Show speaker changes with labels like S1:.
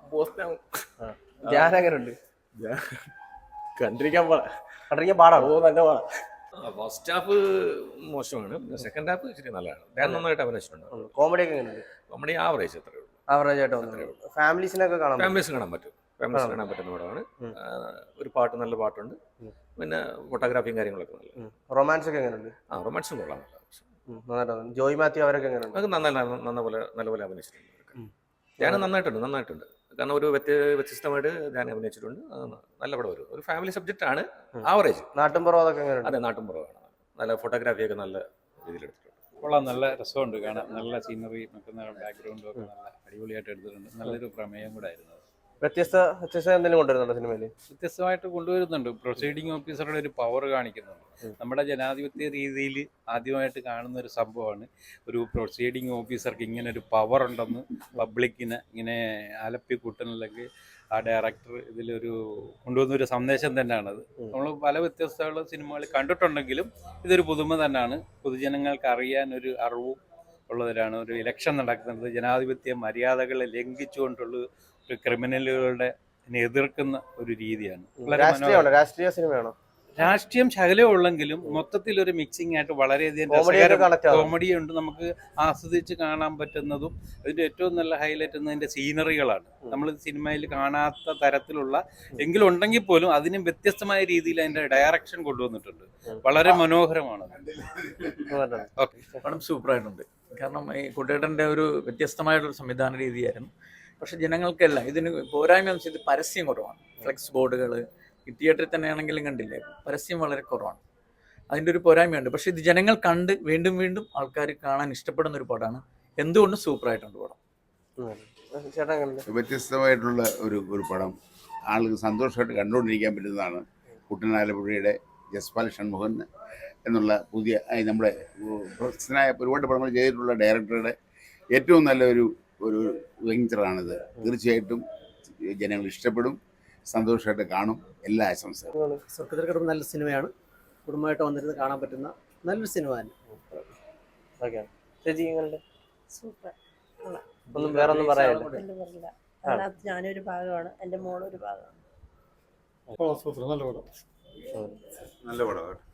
S1: Post
S2: Dhyan എങ്ങനെയുണ്ട്?
S1: കണ്ടിരിക്കാൻ പാടാ.
S2: കണ്ടിരിക്കാൻ പാടാണോ?
S1: നല്ല പാടാ. ഫസ്റ്റ് ഹാഫ് മോശമാണ്, സെക്കൻഡ് ഹാഫ് ഇച്ചിരി നല്ലതാണ്. ഞാൻ നന്നായിട്ട് അഭിനയിച്ചിട്ടുണ്ട്.
S2: കോമഡി ഒക്കെ എങ്ങനെയുണ്ട്?
S1: നമ്മുടെ ആവറേജ് അത്രേ ഉള്ളൂ.
S2: ആവറേജ് ആയിട്ട് വന്നു. ഫാമിലീസിനൊക്കെ കാണാൻ
S1: ഫാമിലീസ് കാണാൻ പറ്റും. ഫാമിലീസ് കാണാൻ പറ്റുന്ന പടമാണ്. ഒരു പാട്ട്, നല്ല പാട്ടുണ്ട്. പിന്നെ ഫോട്ടോഗ്രാഫിയും കാര്യങ്ങളൊക്കെ നല്ല.
S2: റൊമാൻസ് ഒക്കെ എങ്ങനെയുണ്ട്?
S1: റൊമാൻസും കൊള്ളാം.
S2: നന്നായിട്ടുണ്ട്. ജോയ് മാത്യു അവരൊക്കെ എങ്ങനെയുണ്ട്?
S1: അത് നല്ലപോലെ അഭിനയിച്ചിട്ടുണ്ട്. ഞാൻ നന്നായിട്ടുണ്ട്. കാരണം ഒരു വ്യത്യസ്തമായിട്ട് ഞാൻ അഭിനയിച്ചിട്ടുണ്ട്. നല്ല പടം. ഒരു ഫാമിലി സബ്ജക്റ്റ് ആണ്. ആവറേജ്.
S2: നാട്ടുംപുറം അതൊക്കെ എങ്ങനെയുണ്ട്?
S1: അതെ, നാട്ടുംപുറമാണ്. നല്ല ഫോട്ടോഗ്രാഫിയൊക്കെ നല്ല രീതിയിൽ എടുത്തിട്ടുണ്ട്.
S3: കൊള്ളാം, നല്ല രസമുണ്ട് കാണാൻ. നല്ല സീനറിയും ഒക്കെ, ബാക്ക്ഗ്രൗണ്ടും ഒക്കെ നല്ല അടിപൊളിയായിട്ട് എടുത്തിട്ടുണ്ട്. നല്ലൊരു പ്രമേയം കൂടെ ആയിരുന്നു.
S2: വ്യത്യസ്ത എന്തെങ്കിലും കൊണ്ടുവരുന്നുണ്ടോ സിനിമയിൽ?
S3: വ്യത്യസ്തമായിട്ട് കൊണ്ടുവരുന്നുണ്ട്. പ്രൊസീഡിംഗ് ഓഫീസറുടെ ഒരു പവർ കാണിക്കുന്നുണ്ട്. നമ്മുടെ ജനാധിപത്യ രീതിയിൽ ആദ്യമായിട്ട് കാണുന്ന ഒരു സംഭവമാണ് ഒരു പ്രൊസീഡിംഗ് ഓഫീസർക്ക് ഇങ്ങനെ ഒരു പവർ ഉണ്ടെന്ന് പബ്ലിക്കിനെ ഇങ്ങനെ ആലപ്പി കൂട്ടനിലേക്ക് ആ ഡയറക്ടർ ഇതിലൊരു കൊണ്ടുവന്നൊരു സന്ദേശം തന്നെയാണത്. നമ്മൾ പല വ്യത്യസ്തമുള്ള സിനിമകൾ കണ്ടിട്ടുണ്ടെങ്കിലും ഇതൊരു പുതുമ തന്നെയാണ്. പൊതുജനങ്ങൾക്ക് അറിയാൻ ഒരു അറിവും ഉള്ളതിലാണ് ഒരു ഇലക്ഷൻ നടക്കുന്നത്. ജനാധിപത്യ മര്യാദകളെ ലംഘിച്ചുകൊണ്ടുള്ള ഒരു ക്രിമിനലുകളുടെ എതിർക്കുന്ന ഒരു രീതിയാണ്.
S2: രാഷ്ട്രീയ സിനിമയാണോ?
S3: രാഷ്ട്രീയം ശകലം ഉള്ളെങ്കിലും മൊത്തത്തിലൊരു മിക്സിംഗ് ആയിട്ട് വളരെയധികം കോമഡി ഉണ്ട്. നമുക്ക് ആസ്വദിച്ച് കാണാൻ പറ്റുന്നതും അതിന്റെ ഏറ്റവും നല്ല ഹൈലൈറ്റ് എന്നതിന്റെ സീനറികളാണ്. നമ്മൾ സിനിമയിൽ കാണാത്ത തരത്തിലുള്ള എങ്കിലും ഉണ്ടെങ്കിൽ പോലും അതിനും വ്യത്യസ്തമായ രീതിയിൽ അതിന്റെ ഡയറക്ഷൻ കൊണ്ടുവന്നിട്ടുണ്ട്. വളരെ മനോഹരമാണ്.
S4: പടം സൂപ്പറായിട്ടുണ്ട്. കാരണം ഈ കുട്ടേട്ടൻ്റെ ഒരു വ്യത്യസ്തമായിട്ടൊരു സംവിധാന രീതിയായിരുന്നു. പക്ഷെ ജനങ്ങൾക്കെല്ലാം ഇതിന് പോരായ്മ ഇത് പരസ്യം കുറവാണ്. ഫ്ലെക്സ് ബോർഡുകൾ ഈ തിയേറ്ററിൽ തന്നെയാണെങ്കിലും കണ്ടില്ലേ, പരസ്യം വളരെ കുറവാണ്. അതിൻ്റെ ഒരു പോരായ്മയുണ്ട്. പക്ഷെ ഇത് ജനങ്ങൾ കണ്ട് വീണ്ടും വീണ്ടും ആൾക്കാർ കാണാൻ ഇഷ്ടപ്പെടുന്ന ഒരു പടമാണ്. എന്തുകൊണ്ടും സൂപ്പറായിട്ടുണ്ട് പടം.
S5: വ്യത്യസ്തമായിട്ടുള്ള ഒരു പടം ആളുകൾ സന്തോഷമായിട്ട് കണ്ടുകൊണ്ടിരിക്കാൻ പറ്റുന്നതാണ്. കുട്ടനാലപ്പുഴയുടെ ജസ്പാൽ ഷൺമുഖൻ എന്നുള്ള പുതിയ നമ്മുടെ പ്രശസ്തനായ ഒരുപാട് പടങ്ങൾ ചെയ്തിട്ടുള്ള ഡയറക്ടറുടെ ഏറ്റവും നല്ല ഒരു വെഞ്ചറാണിത്. തീർച്ചയായിട്ടും ജനങ്ങൾ ഇഷ്ടപ്പെടും, സന്തോഷമായിട്ട് കാണും. എല്ലാ ആശംസകളും.
S6: സ്വർഗത്തിലെ നല്ല സിനിമയാണ്. കുടുംബമായിട്ട് വന്നിരുന്ന് കാണാൻ പറ്റുന്ന നല്ലൊരു സിനിമ തന്നെ.
S7: സൂപ്പർ.
S2: ഒന്നും വേറൊന്നും പറയാനില്ല.
S7: അതിനകത്ത് ഞാനൊരു ഭാഗമാണ്, എൻ്റെ മോളൊരു ഭാഗമാണ്.
S5: നല്ല പടമാണ്.